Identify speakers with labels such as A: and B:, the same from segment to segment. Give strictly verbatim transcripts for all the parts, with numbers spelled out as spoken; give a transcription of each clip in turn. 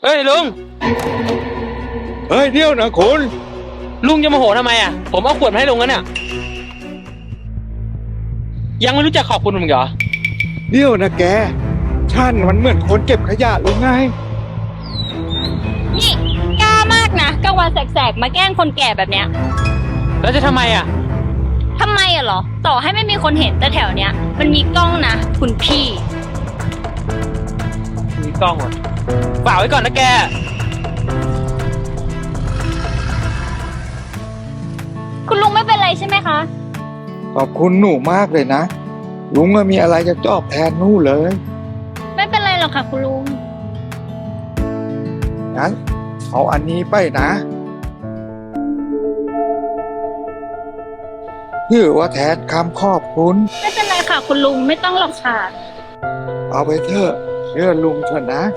A: เฮ้ยลุง
B: เฮ้ยเดี๋ยวนะคุณ
A: ลุงจะโมโหทำไมอ่ะผมเอาขวดมาให้ลุงแล้วเนี่ยยังไม่รู้จักขอบคุณผมเหรอ
B: เดี๋ยวนะแกฉันมันเหมือนคนเก็บขยะหรือไง
C: นี่กล้ามากนะกลางวันแสกๆมาแกล้งคนแก่แบบเนี้ย
A: แล้วจะทำไมอ่ะ
C: ทำไมอะเหรอต่อให้ไม่มีคนเห็นแต่แถวเนี้ยมันมีกล้องนะคุณพี่
A: มีกล้องอ่ะฝากไว้ก่อนนะแก
C: คุณลุงไม่เป็นไรใช่ไหมคะ
B: ขอบคุณหนูมากเลยนะลุงไม่มีอะไรจะตอบแทนหนูเลย
C: ไม่เป็นไรหรอกค่ะคุณลุง
B: งั้นเอาอันนี้ไปนะถือว่าแทนคำขอบคุณ
C: ไม่เป็นไรค่ะคุณลุงไม่ต้องหรอกค่ะ
B: เอาไปเถอะเชื่อลุงเถอะนะ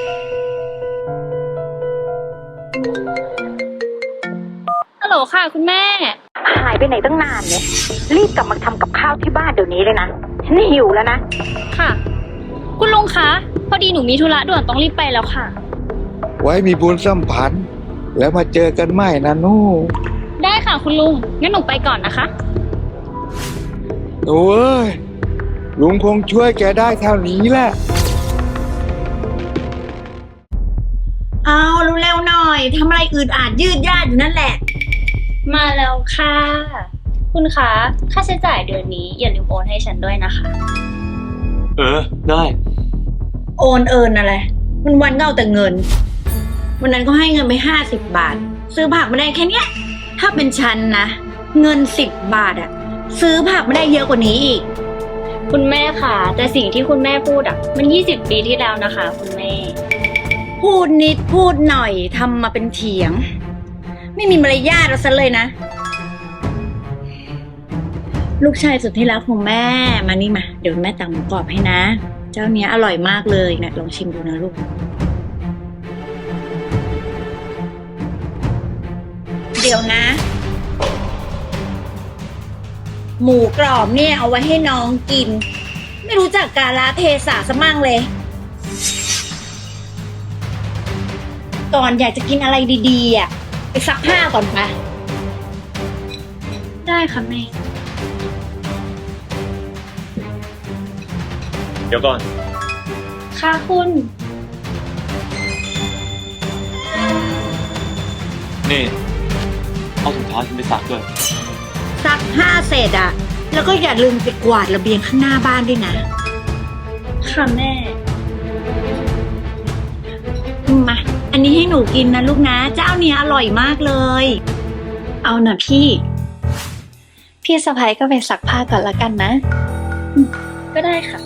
C: ฮัลโหลค่ะคุณแม่
D: หายไปไหนตั้งนานเนี่ยรีบกลับมาทำกับข้าวที่บ้านเดี๋ยวนี้เลยนะฉันหิวแล้วนะ
C: ค่ะคุณลุงคะพอดีหนูมีธุระด่วนต้องรีบไปแล้วค่ะ
B: ไว้มีบุญสัมพันธ์แล้วมาเจอกันใหม่นะนู่
C: ได้ค่ะคุณลุงงั้นหนูไปก่อนนะคะ
B: โอ้ยลุงคงช่วยแกได้เท่านี้แหละ
D: เอาเร็วๆหน่อยทำอะไรอืดอาดยืดยาดอยู่นั่นแหละ
C: มาแล้วค่ะคุณคะค่าใช้จ่ายเดือนนี้อย่าลืมโอนให้ฉันด้วยนะคะ
A: เออได้
D: โอนเอินอะไรวันวันก็เอาแต่เงินวันนั้นก็ให้เงินไปห้าสิบบาทซื้อผักมาได้แค่เนี้ยถ้าเป็นฉันนะเงินสิบบาทอะซื้อผักไม่ได้เยอะกว่านี้อีก
C: คุณแม่ค่ะแต่สิ่งที่คุณแม่พูดอะมันยี่สิบปีที่แล้วนะคะคุณแม่
D: พูดนิดพูดหน่อยทำมาเป็นเถียงไม่มีมารยาทเราซะเลยนะลูกชายสุดที่รักของแม่มานี่มาเดี๋ยวแม่ตำหมูกรอบให้นะเจ้าเนี้ยอร่อยมากเลยนะลองชิมดูนะลูกเดี๋ยวนะหมูกรอบเนี่ยเอาไว้ให้น้องกินไม่รู้จักกาลเทศะซะมั่งเลยก่อนอยากจะกินอะไรดีๆอ่ะไปซักผ้าก่อนไป
C: ได้ค่ะแม่
A: เดี๋ยวก่อน
C: ค่ะคุณ
A: นี่เอาถุงเท้าฉันไปซักด้วย
D: ซักผ้าเสร็จอ่ะแล้วก็อย่าลืมไปกวาดระเบียงข้างหน้าบ้านด้วยนะ
C: ค่ะแม่
D: มาอันนี้ให้หนูกินนะลูกนะเจ้าเนี้ยอร่อยมากเลย
C: เอาหน่ะพี่พี่สะใภ้ก็ไปซักผ้าก่อนละกันนะก็ได้ค่ะ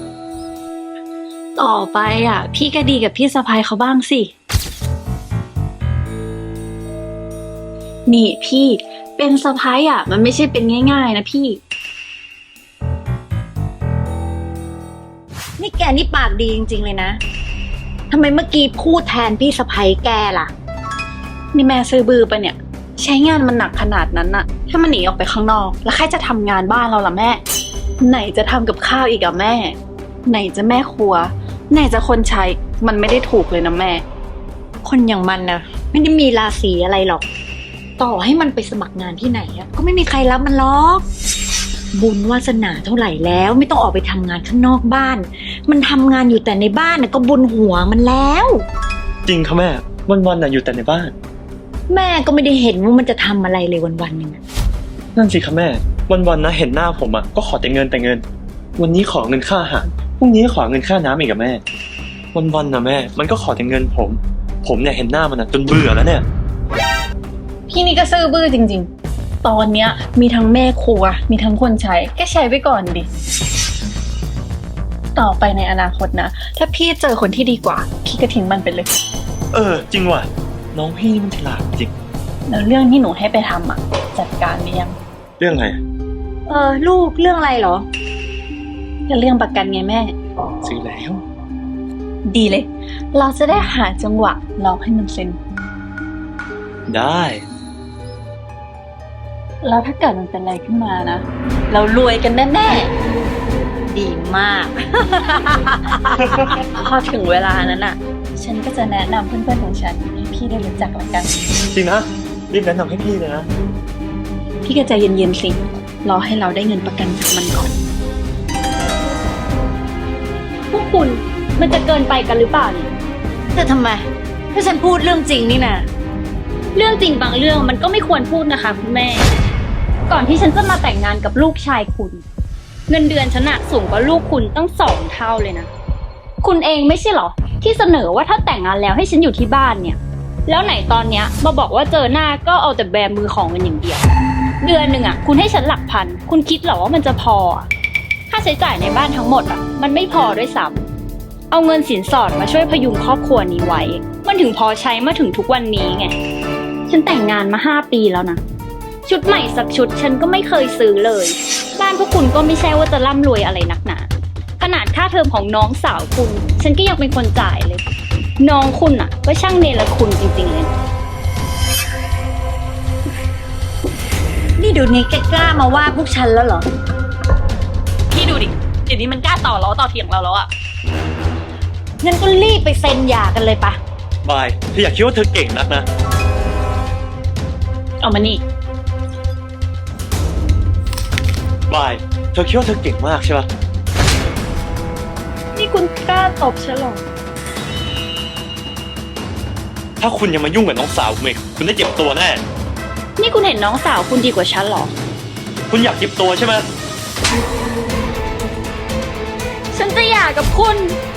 C: ต่อไปอ่ะพี่ก็ดีกับพี่สะใภ้เขาบ้างสินี่พี่เป็นสะใภ้อ่ะมันไม่ใช่เป็นง่ายๆนะพี่
D: นี่แกนี่ปากดีจริงๆเลยนะทำไมเมื่อกี้พูดแทนพี่สะใภ้แกล่ะ
C: นี่แม่ซื้อบือไปเนี่ยใช้งานมันหนักขนาดนั้นน่ะถ้ามันหนีออกไปข้างนอกแล้วใครจะทำงานบ้านเราล่ะแม่ไหนจะทำกับข้าวอีกอะแม่ไหนจะแม่ครัวไหนจะคนใช้มันไม่ได้ถูกเลยนะแม่
D: คนอย่างมันนะไม่ได้มีราศีอะไรหรอกต่อให้มันไปสมัครงานที่ไหนอะก็ไม่มีใครรับมันหรอกบุญวาสนาเท่าไหร่แล้วไม่ต้องออกไปทำงานข้างนอกบ้านมันทำงานอยู่แต่ในบ้านน่ะก็บุญหัวมันแล้ว
A: จริงค่ะแม่วันๆน่ะอยู่แต่ในบ้าน
D: แม่ก็ไม่ได้เห็นว่ามันจะทำอะไรเลยวันๆนึงน่ะ
A: นั่นสิค่ะแม่วันๆนะเห็นหน้าผมอ่ะก็ขอแต่เงินแต่เงินวันนี้ขอเงินค่าอาหารพรุ่งนี้ขอเงินค่าน้ำอีกกับแม่วันๆนะแม่มันก็ขอแต่เงินผมผมเนี่ยเห็นหน้ามันอ่ะจนเบื่อแล้วเนี่ย
C: พี่นี่ก็ซื่อบื้อจริงๆตอนเนี้ยมีทั้งแม่ครัวมีทั้งคนใช้แค่ใช้ไปก่อนดิต่อไปในอนาคตนะถ้าพี่เจอคนที่ดีกว่าพี่ก็ทิ้งมันไปเลย
A: เออจริงว่ะน้องพี่มันฉลาดจริง
C: แล้วเรื่องที่หนูให้ไปทำอ่ะจัดการหรือยัง
A: เรื่องอะไร
D: เออลูกเรื่องอะไรเหรอ
C: ก็เรื่องประกันไงแม่
A: ซื้อแล้ว
C: ดีเลยเราจะได้หาจังหวะลองให้มันเซ็น
A: ได้
C: แล้วถ้าเกิดมันเป็นอะไรขึ้นมานะเรารวยกันแน่ๆ
D: ดีมาก
C: พอถึงเวลานั้นอ่ะ ฉันก็จะแนะนำเพื่อนๆของฉันให้พี่ได้รู้จักละกัน
A: จริงนะรีบแนะนำให้พี่เลยนะ
C: พี่ก็ใจเย็นๆสิ รอให้เราได้เงินประกันจากมันก่อน
E: พวกคุณมันจะเกินไปกันหรือเปล่าเนี่ย
D: แต่ทำไม ถ้าฉันพูดเรื่องจริงนี่นะ
E: เรื่องจริงบางเรื่องมันก็ไม่ควรพูดนะคะคุณแม่ ก่อนที่ฉันจะมาแต่งงานกับลูกชายคุณ เงินเดือนฉันอะสูงกว่าลูกคุณตั้งสองเท่าเลยนะ คุณเองไม่ใช่เหรอ ที่เสนอว่าถ้าแต่งงานแล้วให้ฉันอยู่ที่บ้านเนี่ย แล้วไหนตอนเนี้ยมาบอกว่าเจอหน้าก็เอาแต่แบมือของกันอย่างเดียว เดือนหนึ่งอะคุณให้ฉันหลักพัน คุณคิดเหรอว่ามันจะพออะค่าใช้จ่ายในบ้านทั้งหมดอะมันไม่พอด้วยซ้ำเอาเงินสินสอดมาช่วยพยุงครอบครัวนี้ไว้ มันถึงพอใช้มาถึงทุกวันนี้ไง ฉันแต่งงานมาห้าปีแล้วนะ ชุดใหม่สักชุดฉันก็ไม่เคยซื้อเลย บ้านพวกคุณก็ไม่ใช่ว่าจะร่ำรวยอะไรนักหนาขนาดค่าเทอมของน้องสาวคุณ ฉันก็ยังเป็นคนจ่ายเลย น้องคุณอ่ะ ก็ช่างเนรคุณจริงๆเลยนะ
D: นี่เดูนี้แกกล้ามาว่าพวกฉันแล้วเหรอ
C: พี่ดูดิ เดี๋ยวนี้มันกล้าต่อล้อต่อเถียงเราแล้วอ่ะ
D: งั้นก็รีบไปเซ็นหย่ากันเลยปะ
A: บายเธออยากคิดว่าเธอเก่งนักนะ
C: เอามานี่
A: บายเธอคิดว่าเธอเก่งมากใช่ปะ
C: นี่คุณกล้าตบฉันเหรอ
A: ถ้าคุณยังมายุ่งกับน้องสาวผมอีกคุณได้เจ็บตัวแน่
C: นี่คุณเห็นน้องสาวคุณดีกว่าฉันเหรอ
A: คุณอยากเจ็บตัวใช่ไหม
C: ฉันจะหย่ากับคุณ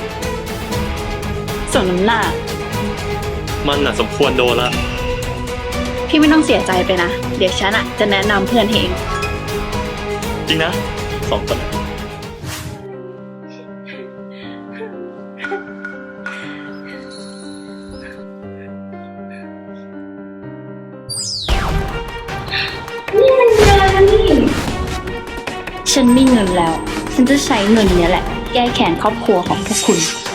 C: สมน้ำหน้า
A: มันน่ะสมควรโดนละ
C: พี่ไม่ต้องเสียใจไปนะ เดี๋ยวฉันอะจะแนะนำเพื่อนเอง
A: จริงนะสองคน
C: ฉันมีเงินแล้ว ฉันจะใช้เงินเนี้ยแหละ แก้แค้นครอบครัวของพวกคุณ